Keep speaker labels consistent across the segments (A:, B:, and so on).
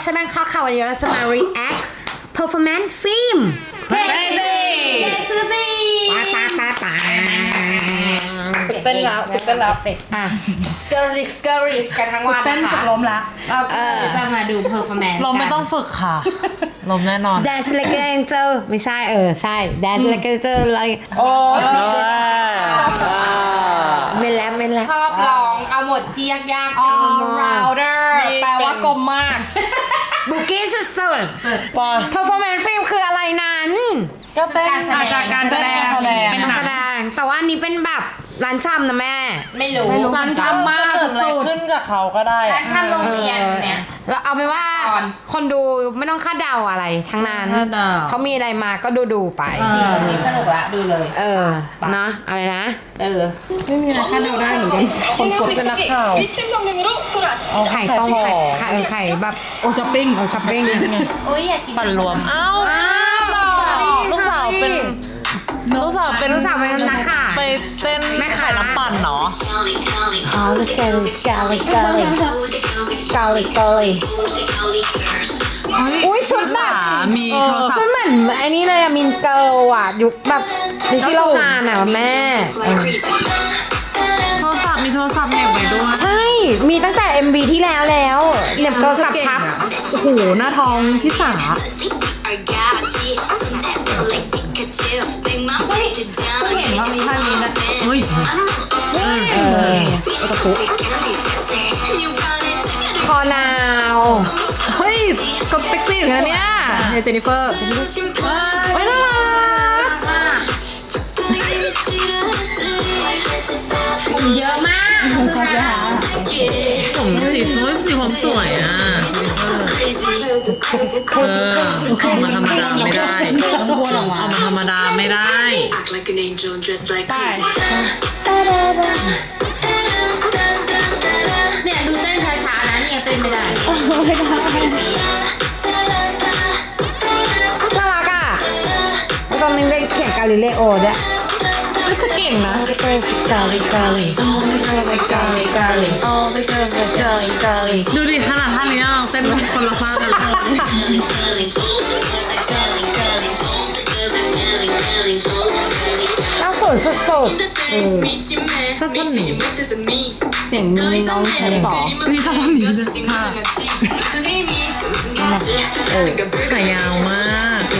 A: ใช่ไหมข่าววันนี้เราจะมา react performance film
B: Crazy
A: ป้า
B: ฝึกเต้นแล้ว
A: อ่ะ
B: Girls กันทั้งวัน
C: เต้น
B: นะ
C: ฝึ
B: คะ
C: กล้มละ
B: เราจะมาดู performance
D: ลมไม่ต้องฝึกค่ะ ลมแน่นอน
A: dance like an angel ไม่ใช่ใช่ dance like an angel อะไร
B: โอ้
A: ไม่แล้ว
B: ชอบร้องเอาหมดที่ยากๆ
C: all rounder แปลว่ากลมมาก
A: บุกี้สุด
D: ป่ะ
A: ๆ performance film คืออะไรนั้น
D: ก็เต้น
C: การแสดง
A: เป็นนักแสดงแต่ว่าอันนี้เป็นแบบร้านชำนะแม่
B: ไม่รู้
C: ร้านชำมาก
D: เกิดอะไรขึ้นกับเขาก็ได้
B: ร้านชำโรงเรียนเนี่ย
A: แล้วเอาไปนว่า
B: ก่อน
A: คนดูไม่ต้องคาดเดาอะไรทั้งนั้น
C: คาดเดา
A: เขามีอะไรมาก็ดูไป
B: วันนี้สนุกละดูเลย
A: เนาะอะไรนะ
C: ไม่มีอะไรคาดเดาได้เหมือนกัน
D: คนกดเป็นนักข่าว เอา
A: ไข่ต้มไข่แบบ
C: โอช้อปปิ้ง
A: ช้อปปิ้ง
B: โอ้ยอยากกิน
D: ปั่นรวม เอ้าลูกสาวเป็นลูกสาวเป็น
A: นักข่าว
D: ไปเต้นแม่ขายน้ำปั่นเนาะ
A: อ๋อเกาหลีอุ้ยชุดแบบ
D: มีโทรศัพ
A: ชุด
D: ท์
A: เหมือนไอ้นี่เลยอะมินเกิลอะยุคแบบดิซี่โลฮานอะแม่
D: โทรศัพท์มีโทรศัพท์เหน็บไว้ด้วย
A: ใช่ มีตั้งแต่ MV ที่แล้วเหน็บโทรศัพท์พับ
C: โอ้โหหน้าทองที่สา
B: เห็นว่ามีท่านนี้นะ
D: เฮ้ย
A: คอนาว
C: เฮ้ยก็เซ็กซี่เหมือนกันเนี่ยเจนนิเฟอร์
A: เฮ้ยน่ารัก
B: เยอะมาก
D: ผมสีผมสวยอ่ะเอามาธรรมดาไม่ได้เอามาธรรมดาไม่ได้
E: Act like an angel and dress like crazy.
B: เนี่ยดูเต้นช้าๆนะเนี่ยเต้นไม่ได้
A: น่ารักอ่ะแล้วตอนนี้ได้เขียนกาลิเลโอด้วย
C: จะเก่งนะ
D: ดูดิขนาดท่านี้เราเต้นคนละภาคกันเลย
A: น่าสนสุด
D: ชอบท่อนนี้
C: เสียงน้องใช่หรอ
D: พี่ชอบท่อนนี้ด้วยขายาวมาก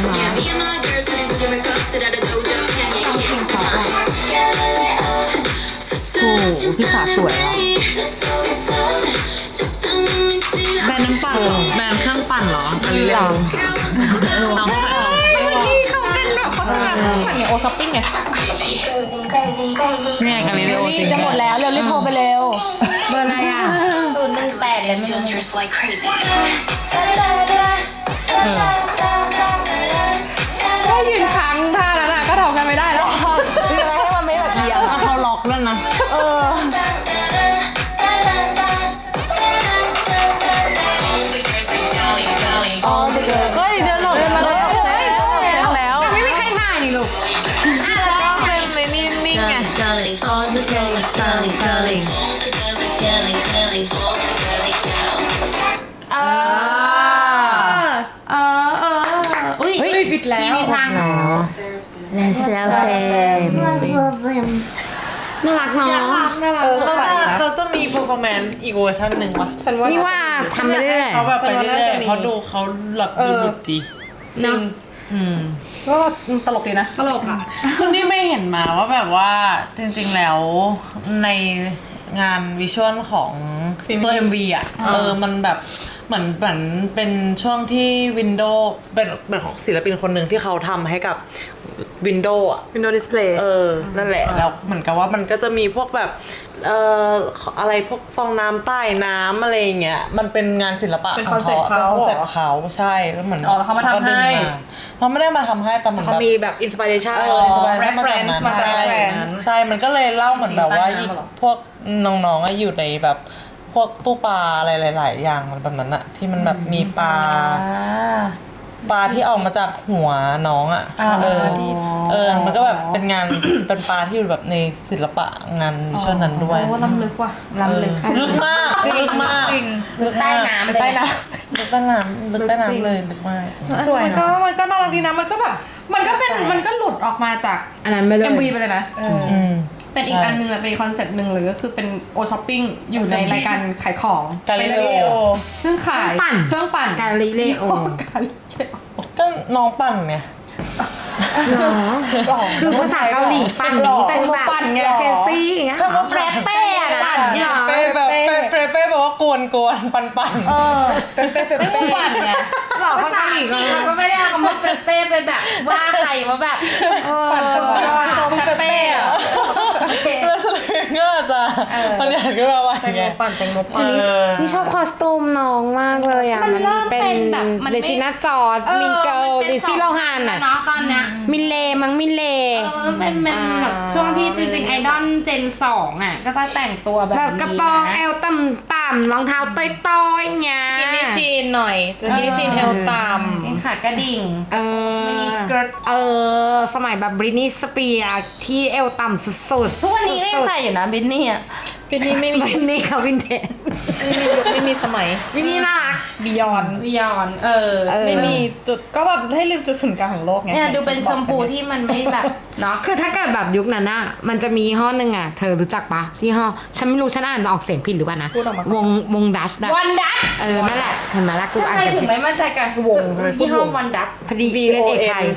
C: โอ้โหพี่สาสวยอ่ะ
D: แบรนด์น้ำปั่นเหรอแบรนด์เครื่องปั่นเหรออะไรเรื่องน้องขายของ
C: เขาเป็นแบบเขาทำสั่งอย่างโอช้อปปิ้งไง
D: เนี่ยกาลิเลโอจริง
C: จะหมดแล้วเร็วรีบโทรไปเร็ว
A: ๆเบอร์อะไรอ่ะ
B: 018เลย
E: Angel dress like crazy.
C: ถ้ายืนค้างท่านั้นอ่ะก็ทำกันไม่ได้แล้วยังไงให้มันไม่แบบเอียง
D: แล้วเขาล็อกด้วยนะ เฮ้ยเดินหลบมาแล้วแล้ว
A: ไม่มีใครถ่ายนี่ลูก
D: เป็นในนิ่งๆไง
B: อุ้ยปิดแล้วมีทาง
A: และเซลเฟมน่ารักเนาะ
D: เขาจะมี performance อีกเวอร์ชันหนึ่งวะ
A: นี่ว่าทำไปเรื่อย
D: เขาแบบไปเรื่อยๆเพราะดูเขาหลักดูหลุดดี
A: เนาะ
C: ก็ตลกดีนะตลกอ่ะ
D: คุณนี่ไม่เห็นมาว่าแบบว่าจริงๆแล้วในงานวิชวลของตัว MV อ่ะมันแบบเหมือนเป็นช่วงที่ Windows เป็นของศิลปินคนหนึ่งที่เขาทำให้กับ Windows อ่ะ
C: Windows Display
D: นั่นแหละแล้วเหมือนกับว่ามันก็จะมีพวกแบบอะไรพวกฟองน้ำใต้น้ำอะไรอย่างเงี้ยมันเป็นงานศิลปะ
C: เป็นคอนเซ็ปต์เขา
D: เป็นคอนเซ็ปต์เขาใช่แล้วเหมือน
C: เขามาทำให้
D: เขาไม่ได้มาทำให้แต่เหมือน
C: เขา
D: แบบ
C: มีแบบอินสปิเรชัน
D: reference มาจากนั้น
C: มาจาก
D: ใช่
C: reference
D: ใช่มันก็เลยเล่าเหมือนแบบว่า
C: สีใต้น้ำเหรอ
D: พวกน้องๆอยู่ในแบบพวกตู้ปลาอะไรหลายๆอย่างมันแบบนั้นอะที่มันแบบมีปลาปลาที่ออกมาจากหัวน้องอ่ะมันก็แบบเป็นงาน เป็นปลาที่อยู่แบบในศิลปะงานวิชวลนั้นด้วย
C: โอ้ล้ำลึกว่ะ
B: ล้ำลึก
D: ลึกมากลึกมาก
B: ลึกใต้น้ำเลย
C: ใต้น้
D: ลึกใต้น้ำเลยลึกมาก
C: ำสวยมันก็น่ารักดีนะมันก็แบบมันก็หลุดออกมาจาก
A: อันนั้นไปเลย
C: MV ไปเลยนะเป็นอีกอันนึงเลยเป็นคอนเซ็ปต์หนึ่งเลยก็คือเป็นโอช้อปปิ้งอยู่ในรายการขายของ
D: กาลิเลโอ
C: ซึ่งขายเครื่องปั่น
A: กาลิเลโอ
D: ก็น้องปั่นไง
A: คือภาษาเกาหลีปั่นนี้แต่งแบบเคซี่อย่างเงี้ย
B: แฟรเป้อะนะ
D: เป้แบบเป้แบบว่ากวนปั่น
C: ไม่ต้องปั่นไง
A: หลอก
B: ภา
A: ภา
B: ษา
A: ษา
B: อั
A: ห
B: ง
A: ลี
B: กฤษ
A: ก็
B: เขาก็ไม่ได้เอาคำว่าแฟรเป้ไปแบบว่าใครว่าแบบ
C: ปั่นจังหวะโซมเป้อะ
D: แล้วสลิงก็อาจจะมันอยากก็มาว่าไง
C: ปั่นแตงโมปั่น
A: นี่ชอบคอสตูมน้องมากเลยอ่ะ
B: มันเริ่มเป็นแบบมัน
A: เล
B: ไม่
A: จิน่าจอร์ดมินเกิลลิซี่โลฮานอ่ะ
B: เนาะตอนเนี้ย
A: มินเลมินเล
B: เป็นแบบช่วงที่จริงๆไอดอลเจน2อ่ะก็จะแต่งตัวแบบ
A: แบบกระโปรงเอวต่ำๆรองเท้าต้อยๆเงี้ย
C: สกินนี่จีนหน่อยสกินนี่จีนเอวต่ำ
B: ขาดกระดิ่ง มินิสเกิร์ต
A: สมัยแบบบรินีสเปียร์ที่เอวต่ำสุดๆ
B: ทุกวันนี้ก็ยังใส่อยู่นะบินนี่อ่ะ
C: ปีนี้ไม่มี
A: บรินีค่ะวินเทจ
C: ไม่มีสมัย
A: วินนี่น่ารัก
C: บิยอน
B: วิยอน
C: ไม่มีจุดก็แบบให้ลืมจุดศูนย์กลางของโลกไง
B: เนี่ยดูเป็นชมพูที่มันไม่แบบเนาะ
A: คือถ้าเกิดแบบยุคนั้นอะมันจะมียี่ห้อหนึ่งอะเธอรู้จักปะยี่ห้อฉันไม่รู้ฉันอ่านออกเสียงผิดหรือเปล่านะวงดัชนะ
B: วันดัต
A: นั่นแหละเห็นไหมล่ะกูอ่าน
B: ทำไม
A: เสียง
B: ถึง
A: ผิด
B: ไม่มั่นใจกันวงยี่ห้อวันดัต
A: พอดีเล่นเอกไทย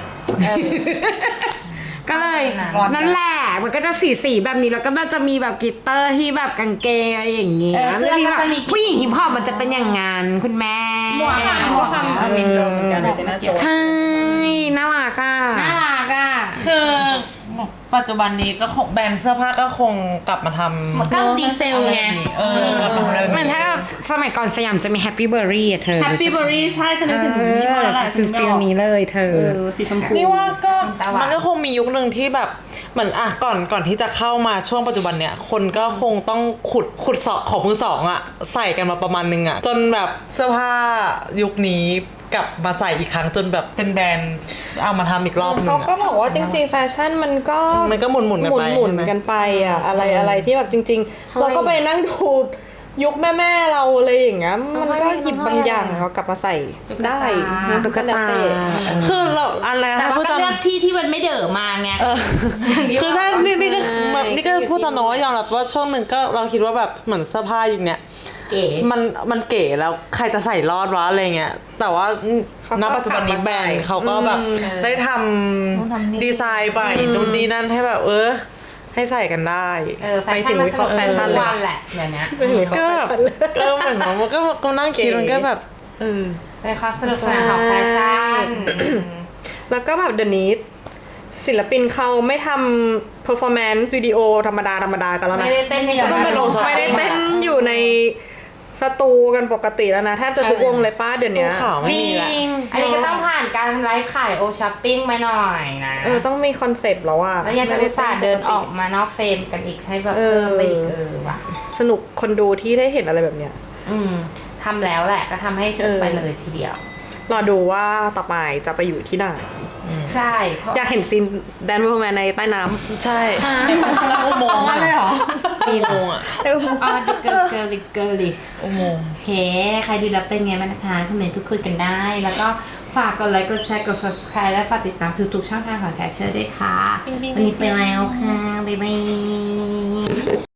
A: ก็เลยนั่นแหละมันก็จะสีแบบนี้แล้วก็มันจะมีแบบกลิตเตอร์ที่แบบกางเกงอะไรอย่างเงี้ย
B: เสื้อก็จะมี
A: ผู้หญิงฮิปฮอปมันจะเป็นอย่างงั้นคุณแม่
B: หมวกค่ะหมวกค่ะ
C: มินเกิลเหมือนกันเจน่าโจ
A: ใช่น่ารักอ่ะ
B: น่ารักอ่ะ
D: คือปัจจุบันนี้ก็คงแบรนด์เสื้อผ้าก็คงกลับมาทำ
B: มันก็ดีเซล
D: อะไร
B: ไง
D: แบบนี้กลับมาทำอะไรแบบ
A: มัน
D: นี้
A: ถ้าสมัยก่อนสยามจะมีแฮปปี้เบอร์รี่เธอ
C: แฮปปี้เบอร์รี่ใช่ฉันนึกถึงยี่ห้อแล้วแหละฉัน
A: ฟิล
C: ไม่ออก
A: นี้เลยเธอ
C: สีชมพู
D: นี่ว่าก็
B: ตาหวาน
D: มันก็คงมียุคหนึ่งที่แบบเหมือนก่อนที่จะเข้ามาช่วงปัจจุบันเนี่ยคนก็คงต้องขุดสอบของมือสองอ่ะใส่กันมาประมาณนึงอ่ะจนแบบเสื้อผ้ายุคนี้กลับมาใส่อีกครั้งจนแบบเป็นแบรนด์เอามาทำอีกรอบนึง
C: เขาก็
D: อะ
C: บอกว่าจริงๆแฟชั่นมันก็
D: มันก็หมุนกันไป
C: หมุนกันไปอ่ะอะไรที่แบบจริงๆ เราก็ไปนั่งดูยุคแม่เราเลยอย่างเงี้ยมันก็หยิบบางอย่างเรากลับมาใส่ได้
A: ตุ๊กตา
D: คือเราอะไร
B: แต่
D: นะ
B: ว่า
D: พูด
B: ก็
D: ตาม
B: เลือกที่มันไม่เด๋อมาไง
D: คือใช่นี่ก็พูดตามน้องว่ายอมรับว่าช่วงหนึ่งก็เราคิดว่าแบบเหมือนเสื้อผ้ายุคเนี้ย
B: เก๋
D: มันเก๋แล้วใครจะใส่รอดวะอะไรเงี้ยแต่ว่าณปัจจุบันนี้แบรนด์เขาก็แบบได้ทำดีไซน์ไปนู่นนี่นั่นให้แบบให้ใส่กันได้
B: แฟชั่นมันสนุกแฟชั่นวันแหละเดี๋ยวนี้
D: ก็แบบเหมือนมันก็นั่งคิดมันก็แบบ
B: เป็นความสนุกสนานของแฟชั่น
C: แล้วก็แบบเดี๋ยวนี้ศิลปินเขาไม่ทำ performance วิดีโอธรรมดากันแล้วนะ
B: ไม่ได้เต้นใน
D: ก็ต้องไปลง
C: ไม่ได้เต้นอยู่ในสตูกันปกติแล้วนะแทบจะทุกวงเลยป้าเดี๋ยวนี้
D: ข่าวไม่
A: จริ
D: มีละ
A: ง
B: อันนี้ก็ต้องผ่านการไลฟ์ขายโอช้อปปิ้งมาหน่อยนะ
C: ต้องมีคอนเซปต์แล้วอะ
B: แล้วยังจะอุตส่าห์เดินออกมานอกเฟรมกันอีกให้แบบเพิ่มไปอีกว่ะ
C: สนุกคนดูที่ได้เห็นอะไรแบบเนี้ย
B: ทำแล้วแหละก็ทำให้ไปเลยทีเดียว
C: รอดูว่าต่อไปจะไปอยู่ที่ไหน
B: ใช่
C: อยากเห็นซีนแดนเวอร์แมนในใต้น้ำ
D: ใช่แล้วอุโมงค์เลยเหรออุโมงค์อ่ะ
B: อ๋อดิเกิร์ล
D: อุโมงค์
B: โอเคใครดูแล้วเป็นไงบ้างนะคะคอมเมนต์พูดคุยกันได้ แล้วก็ฝากกดไลค์กดแชร์กด subscribe และฝากติดตามทุกๆช่องทางของแคชเชอร์ด้วยค่ะวันนี้ไปแล้วค่ะบ๊ายบาย